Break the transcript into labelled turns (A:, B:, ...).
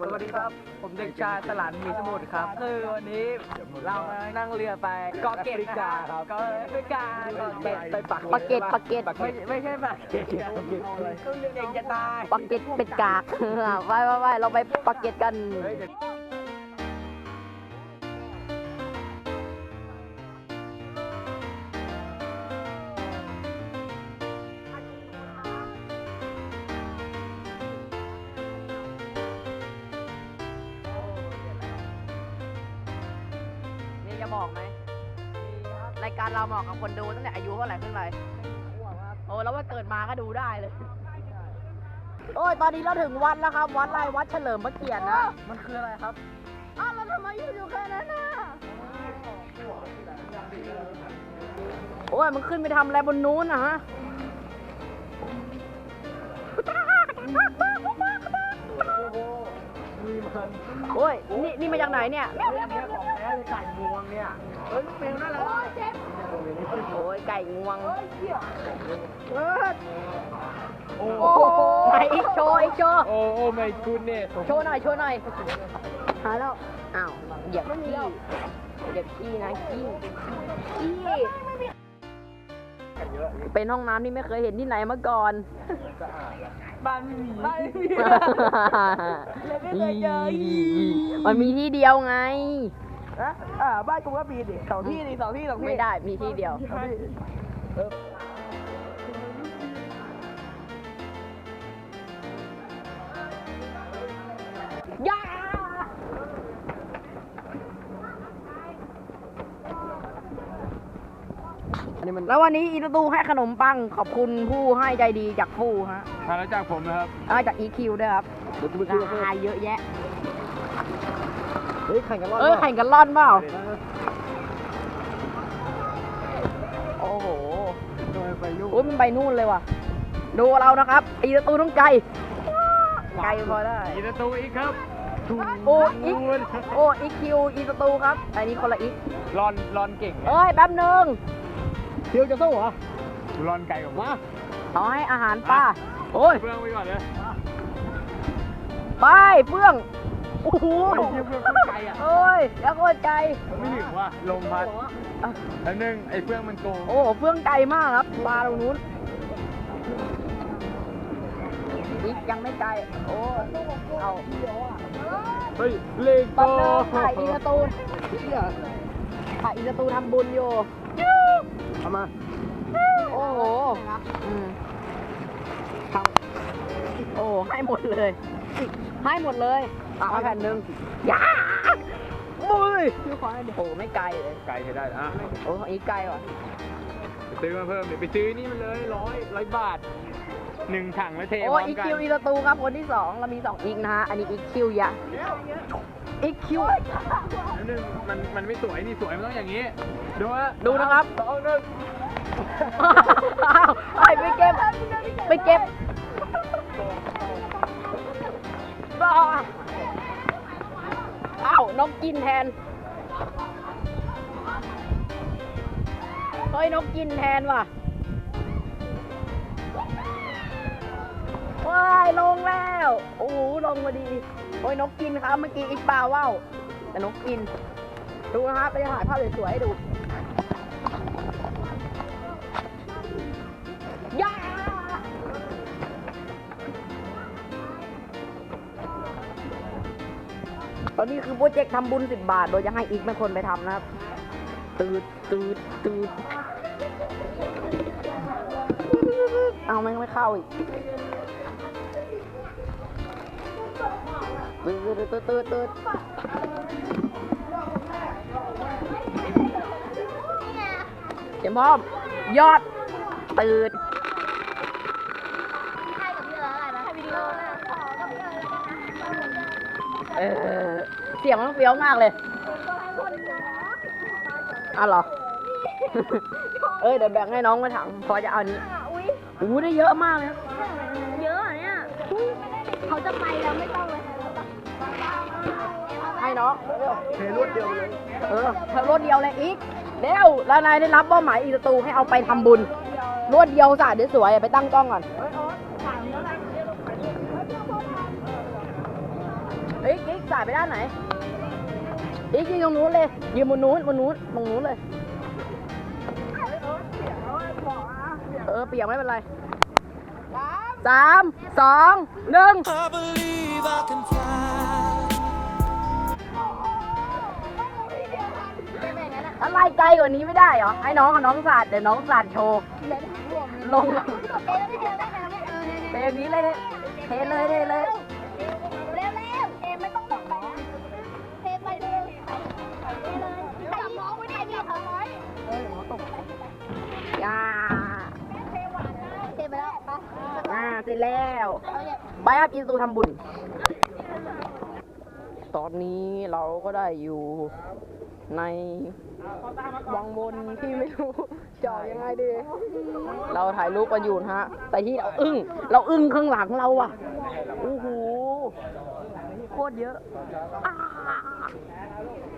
A: สวัสดีครับผมเด็กชายสลันมีสมุทรครับคือวันนี้เรามานั่งเรือไปเกาะเกร็ดนะครับเกาะแอฟริกาเกาะเกร็ดไปปักเกร็ดไม่ใช่ปักเกร็ดก็เด็กจะตาย
B: ปักเก็ตเป็ดกากไปเราไปปักเก็ตกันนี่จะบอกไหมรายการเราเหมาะกับคนดูตั้งแต่อายุเท่าไหร่ขึ้นไปโอ้แล้วว่าเกิดมาก็ดูได้เลยโอ้ยตอนนี้เราถึงวัดแล้วครับวัดอะไรวัดเฉลิมพระเกียรตินะ
A: มันคืออะไรครับ
B: อ้าวแล้วทำไมอยู่แค่นั้นน่ะโอ้ยมันขึ้นไปทำอะไรบนนู้นนะฮะโอ้ยนี่มาจากไหนเนี่ย
A: ของแท้เลยไก่งวงเนี่ยเมลน่ารัก
B: โอ้ยไก่งวง
A: โอ้
B: โอ้โหไหนอีกโชว์
A: โอ้ไม่คุณเนี่ย
B: โชว์หน่อยหาแล้วอ้าวเหยียบขี้นะขี้เป็นห้องน้ำที่ไม่เคยเห็นที่ไหนมาก่อน
A: บ้านไม่มีเลยไม่เคยเจอ
B: มันมีที่เดียวไง
A: บ้านกูก็มีดิสองที่
B: ไม่ได้มีที่เดียวย่าแล้ววันนี้อีตูให้ขนมปังขอบคุณผู้ให้ใจดีจากฟูฮะ
A: แล้วจากผมนะครับ
B: จาก EQ ด้วยครับราคาเยอะแยะ
A: เฮ้ยแข่งกันล่
B: อนเปล่าโอ้โหโอ้ยมันไปนู่นเลยว่ะดูเรานะครับอีตูต้องไกลพอได้
A: อีตูอีกครับ
B: อีคิวอีตูครับอันนี้คนละอีก
A: รอนเก่ง
B: เอ้ยแป๊บนึง
A: เที่ยวจะสู้เหรอรอนไก่ผมว่า
B: เอาให้อาหารป้าโอ้ย
A: เฟื่องไปก่อนเลย
B: ไปเฟื่องโอ้โห
A: เฟื่องไก่อ่ะ
B: โอ้ยแล้วโคตรไกล
A: ไม่ถึงว่าลมพัดแล้วนึงไอ้เฟื่องมันโกง
B: โอ้เฟื่องไกลมากครับปลาตรงนู้นอีกยังไม่ไกลโอ้เอา
A: เฮ้ยเล่งโต
B: ถ่ายอีตูทำบุญอยู่
A: เอามา
B: โอ้โหโอ้ให้หมดเลยเอาแผ่นหนึ่งย่ามุ้ยโอ้ไม่ไกลเลย
A: ไกลใช้ได้อ่ะ
B: โอ้อีกไกลว่ะ
A: ไปซื้อมาเพิ่มไปซื้อนี่มันเลย100 บาท1 ถังแล้วเท
B: โอ้อีคิวอีตูครับคนที่2เรามี2อีกนะฮะอันนี้อีคิวยะอีคิว
A: นึงมันไม่สวยนี่สวยมันต้องอย่างนี้
B: ดูนะครับ
A: 2 1
B: ไปเก็บอ้าวนกกินแทนเฮ้ยนกกินแทนว่ะว้ายลงแล้วโอ้โหลงมาดีโอ้ยนกกินครับเมื่อกี้อีกปลาว่าวแต่นกกินดูนะครับไปถ่ายภาพสวยๆให้ดูย่าตอนนี้คือโปรเจกต์ทำบุญ10 บาทโดยจะให้อีกเป็นคนไปทำนะครับตืดเอาไม่เข้าอีกตืดเข็มพร้อมยอดตืดเสียงมันเฟี้ยวมากเลยเหรอเดี๋ยวแบ่งให้น้องมาถังพอจะเอานี้ได้เยอะมากเลยครับ
C: เยอะเนี่ยเขาจะไปแล้วไม่ต้องเลย
B: ให้น้อง
A: เทรวดเดียวเลย
B: เทรวดเดียวเลยอีกเร็วแล้วนายได้รับเป้าหมายอีตูให้เอาไปทำบุญรวดเดียวสะเดี๋ยวสวยไปตั้งกล้องก่อนฮ้ยกิ๊กสายไปด้านไหนอีกยิงตรงนู้นเลยยืนบนนู้นตรงนู้นเลยเปียกไม่เป็นไร3 2 1 อะไรไกลกว่านี้ไม่ได้เหรอ ให้น้องกับน้องสาดเดี๋ยวน้องสาดโชว์ ลงเทนี้เลยเทเลย
C: เร็วเอ็มไม่ต้องตกไปนะเทไปเลยจับน้องไว้ได้พี่เขาน้อย
B: ย่า
C: เทไปแล้วไป
B: เสร็จแล้วไปครับอินซูทำบุญ ตอนนี้เราก็ได้อยู่ในวังวนที่ไม่รู้จะออกยังไงดี เราถ่ายรูปกันอยู่นะฮะ แต่ที่เราอึ้งข้างหลังเราอ่ะ โอ้โห โคตรเยอะ